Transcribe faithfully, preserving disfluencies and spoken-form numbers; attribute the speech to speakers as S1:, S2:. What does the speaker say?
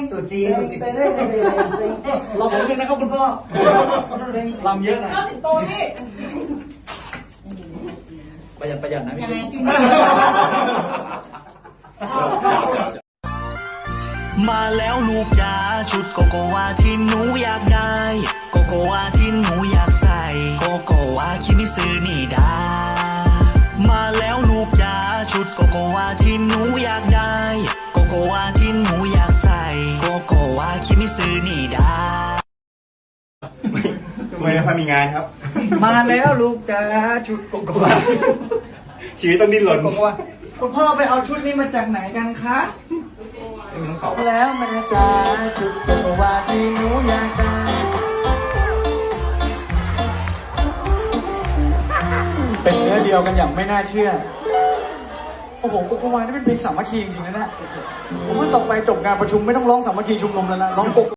S1: ตัวจริงตัวจริง
S2: ลองผมเลยนะครับคุณพ่อลำเยอะหน่อย
S3: เอาสิงโตนี่
S2: ประหยัดประหยัดนะ
S3: ยังไงสิ
S4: มาแล้วลูกจ๋าชุดโกโกวาที่หนูอยากได้โกโกวาที่หนูอยากใส่โกโกวาคิมิซึนี่ดามาแล้วลูกจ๋าชุดโกโกวาที่หนูอยากได้โกโกวาที่หนูอยากใส่โกโกวาคิมิซึนี่ดา
S5: ทำไมไม่ค่อยมีงานครับ
S2: มาแล้วลูกจ๋าชุดโกโกวา
S5: ชีวิตต้องดิ้นรน
S2: โกโกวาคุณพ่อไปเอาชุดนี้มาจากไหนกันคะแล้วแม่จ๋าชุดโกโกวาที่หนูอยากได้เป็นเนื้อเดียวกันอย่างไม่น่าเชื่อโอ้โหโกโกวานี่เป็นเพลงสามัคคีจริงๆนะเนี่ยผมว่าต่อไปจบงานประชุมไม่ต้องร้องสามัคคีชุมนุมแล้วนะร้องโกโก